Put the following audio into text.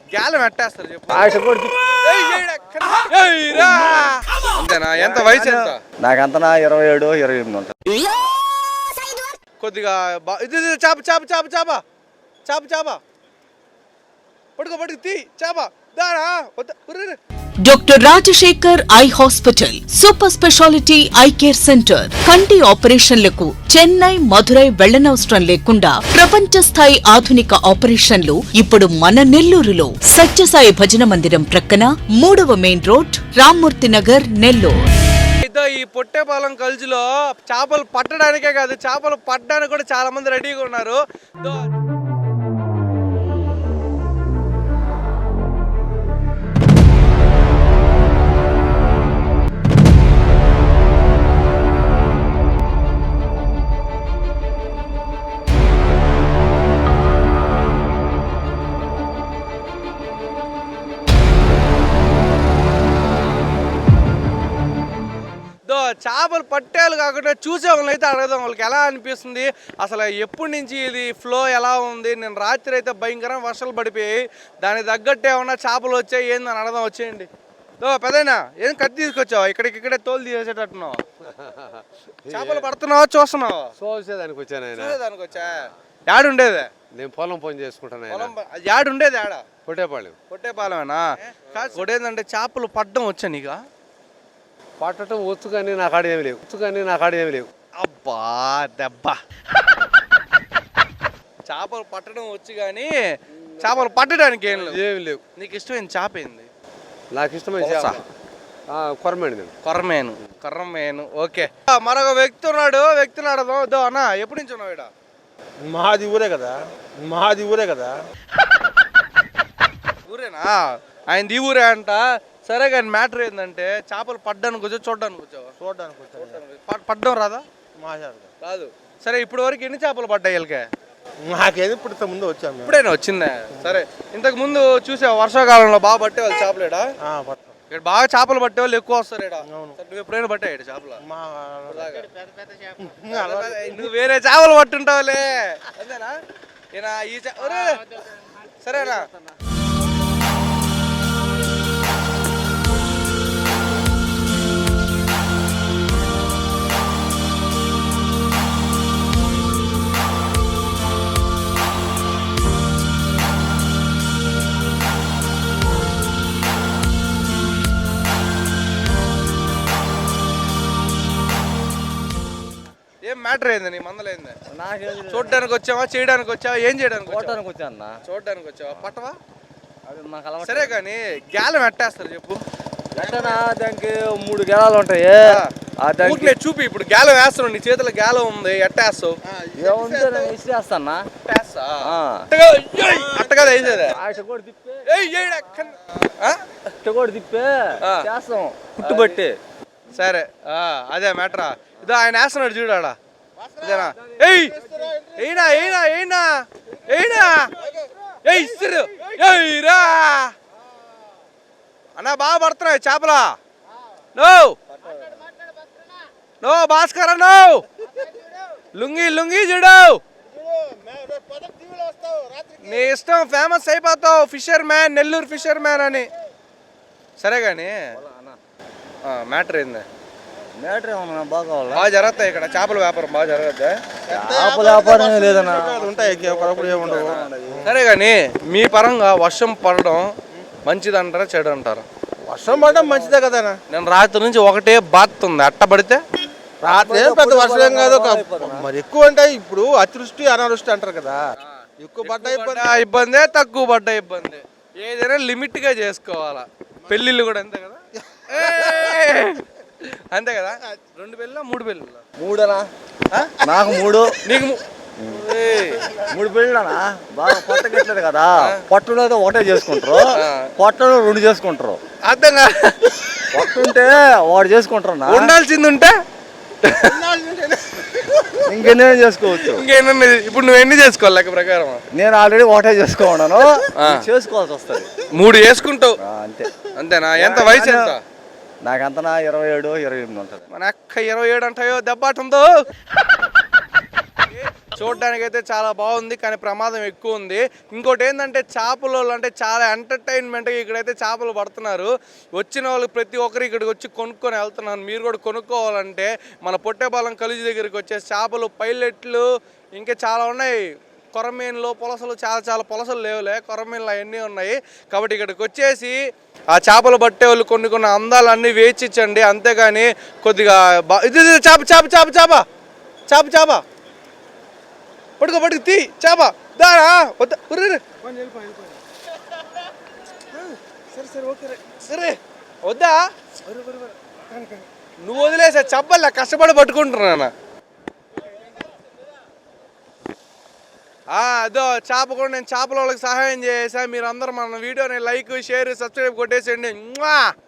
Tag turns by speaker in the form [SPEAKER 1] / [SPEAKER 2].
[SPEAKER 1] గ్యాలం ఎట్టేస్తారు చెప్పు. అంతేనా? ఎంత వయసు ఎంత?
[SPEAKER 2] నాకంతనా 27, 28 ఉంటుంది.
[SPEAKER 1] కొద్దిగా ఇది చాప చాప చాప చాప చాప చాప పడుకో తీ చాప దారా.
[SPEAKER 3] Doctor Rajasekhar eye hospital super speciality eye care centre. కంటి ఆపరేషన్లకు చెన్నై, మధురై వెళ్లనవసరం లేకుండా ప్రపంచ స్థాయి ఆధునిక ఆపరేషన్లు ఇప్పుడు మన నెల్లూరులో. సత్యసాయి భజన మందిరం ప్రక్కన 3వ మెయిన్ రోడ్, రామ్మూర్తి నగర్, నెల్లూరు.
[SPEAKER 1] ఈ పొట్టేపాలెం కల్జులో చేపలు పట్టడానికే కాదు, చేపలు పట్టడానికి కూడా చాలా మంది రెడీగా ఉన్నారు. చేపలు పట్టేలు కాకుండా చూసే వాళ్ళని అయితే అడగదాం, వాళ్ళకి ఎలా అనిపిస్తుంది, అసలు ఎప్పటి నుంచి ఇది ఫ్లో ఎలా ఉంది. నేను రాత్రి అయితే భయంకరంగా వర్షాలు పడిపోయాయి, దానికి తగ్గట్టు ఏమన్నా చేపలు వచ్చాయి ఏందని అడగదాం. వచ్చేయండి. పెదైనా ఏం కత్తి తీసుకొచ్చావా? ఇక్కడే తోలు తీసేటట్టున్నావు. చేపలు పడుతున్నావా చూస్తున్నావా?
[SPEAKER 4] చూసేదానికి వచ్చాను.
[SPEAKER 1] చూసేదానికి వచ్చా? యాడుండేదే?
[SPEAKER 4] నేను పొలం పని చేసుకుంటాను.
[SPEAKER 1] యాడుండేది? ఆడ పొట్టేపాలెమేనా? ఏంటంటే చేపలు పడ్డం వచ్చా నీకు?
[SPEAKER 4] పట్టడం వచ్చు కానీ నా కాడ ఏమి లేవు.
[SPEAKER 1] అబ్బా దెబ్బ. చేపలు పట్టడం వచ్చు కానీ చేపలు పట్టడానికి ఏమి లేవు. నీకు ఇష్టమైన చేప ఏంది?
[SPEAKER 4] నాకు ఇష్టమైన
[SPEAKER 1] కొర్రమేను. ఓకే, మరొక వ్యక్తి ఉన్నాడు. వ్యక్తిని అడదాం. అన్న ఎప్పటి నుంచి ఉన్నావు?
[SPEAKER 5] మాది ఊరే కదా.
[SPEAKER 1] ఊరేనా? ఆయన ఈ ఊరే అంట. సరే కానీ మ్యాటర్ ఏంటంటే చేపలు పడ్డానికి వచ్చావు చూడడానికి వచ్చావా? పడ్డం రాదా? రాదు. సరే ఇప్పటి వరకు ఎన్ని చేపలు పడ్డాయి వీళ్ళకే?
[SPEAKER 5] నాకేది ఇప్పుడు ముందు వచ్చాము.
[SPEAKER 1] ఇప్పుడైనా వచ్చిందా? సరే ఇంతకు ముందు చూసావా వర్షాకాలంలో బాగా పట్టేవాళ్ళు చేపలేడా? ఇక్కడ బాగా చేపలు పట్టేవాళ్ళు ఎక్కువ వస్తారు. నువ్వు ఎప్పుడైనా పట్టాయి చేపలు? నువ్వు వేరే చేపలు పట్టుంటావులే అంతేనా? సరేనా? ఏం మ్యాటర్ అయింది నీ మందలైంది? చూడడానికి వచ్చావా, చేయడానికి వచ్చావా, ఏం చేయడానికి చూడడానికి వచ్చావా? పట్టవా? సరే కానీ గ్యాలం ఎట్టేస్తారు చెప్పు.
[SPEAKER 2] దానికి 3 గేలాలు ఉంటాయి.
[SPEAKER 1] చూపి. ఇప్పుడు గ్యాలం వేస్తున్నావు, నీ చేతిలో గ్యాలం ఉంది, ఎట్టేస్తావు? అట్టగా వేసేదే
[SPEAKER 2] పుట్టుబట్టి.
[SPEAKER 1] సరే అదే మ్యాటరా. ఇదో ఆయన వేస్తున్నాడు చూడాడా. ఇదేనా? అన్నా బాగా పడుతున్నాయి చేపలా? No Bhaskar no. లుంగి చూడు, నీ ఇష్టం, ఫేమస్ అయిపోతావు. Fisherman, Nellore fisherman అని. సరే కానీ మ్యాటర్ ఏంది? బాగా జరుగుతాయి ఇక్కడ చేపల వ్యాపారం? బాగా జరుగుద్దా? సరే కానీ మీ పరంగా వర్షం పడడం మంచిది అంటారా చెడు అంటారా?
[SPEAKER 5] వర్షం పడడం మంచిదే కదా.
[SPEAKER 1] నేను రాత్రి నుంచి ఒకటే బాతుంది. అట్ట పడితే
[SPEAKER 5] రాత్రి పెద్ద వర్షం ఏం కాదు. మరి ఎక్కువ అంటే ఇప్పుడు అతివృష్టి అనావృష్టి అంటారు కదా. ఎక్కువ పడ్డ
[SPEAKER 1] ఇబ్బందే, తక్కువ పడ్డ ఇబ్బంది. ఏదైనా లిమిట్ గా చేసుకోవాలా. పెళ్ళిళ్ళు కూడా అంతే కదా? అంతే కదా? 2 పెళ్ళా 3 పెళ్ళా?
[SPEAKER 2] 3 నాకు 3.
[SPEAKER 1] నీకు
[SPEAKER 2] 3 పెళ్ళనా? బాగా పొట్టగట్లేదు కదా. పొట్టలో ఒకటే చేసుకుంటారు, పొట్టలో 2 చేసుకుంటారు.
[SPEAKER 1] అర్థం కాదు.
[SPEAKER 2] పొట్టుంటే వాడు చేసుకుంటారు.
[SPEAKER 1] ఉండాల్సింది ఉంటే
[SPEAKER 2] ఇంకెన్నో చేసుకోవచ్చు.
[SPEAKER 1] ఇప్పుడు నువ్వు ఎన్ని చేసుకోవాలి లెక్క ప్రకారం?
[SPEAKER 2] నేను ఆల్రెడీ ఒకటే చేసుకున్నాను. చేసుకోవాల్సి వస్తుంది.
[SPEAKER 1] 3 చేసుకుంటావు
[SPEAKER 2] అంతే.
[SPEAKER 1] అంతేనా? ఎంత వయసు ఎంత?
[SPEAKER 2] నాకంతనా 27, 28 ఉంటుంది.
[SPEAKER 1] మన అక్క 27 అంటాయో దెబ్బాటుందో. చూడడానికి అయితే చాలా బాగుంది, కానీ ప్రమాదం ఎక్కువ ఉంది. ఇంకోటి ఏంటంటే చేపలు అంటే చాలా ఎంటర్టైన్మెంట్గా ఇక్కడైతే చేపలు పడుతున్నారు. వచ్చిన వాళ్ళు ప్రతి ఒక్కరు ఇక్కడికి వచ్చి కొనుక్కొని వెళ్తున్నారు. మీరు కూడా కొనుక్కోవాలంటే మన పొట్టేపాలెం కాలేజీ దగ్గరికి వచ్చే చేపలు, పైలెట్లు, ఇంకా చాలా ఉన్నాయి. కొరమీన్లు, పులసలు, చాలా పులసలు లేవులే, కొరమీన్లు అవన్నీ ఉన్నాయి. కాబట్టి ఇక్కడికి వచ్చేసి ఆ చేపలు పట్టే వాళ్ళు కొన్ని అందాలన్నీ వేచిచ్చండి. అంతేగాని కొద్దిగా ఇది చేప చేప చేప చేప చేప చేప పట్టుకో తీ చేప దారా వద్దా సరే వద్దా నువ్వు వదిలేసా చెప్పలే, కష్టపడి పట్టుకుంటున్నా. అదో చేప కూడా నేను చేపల వాళ్ళకి సహాయం చేసా. మీరు అందరూ మన వీడియోని లైక్, షేర్, సబ్స్క్రైబ్ కొట్టేసేయండి.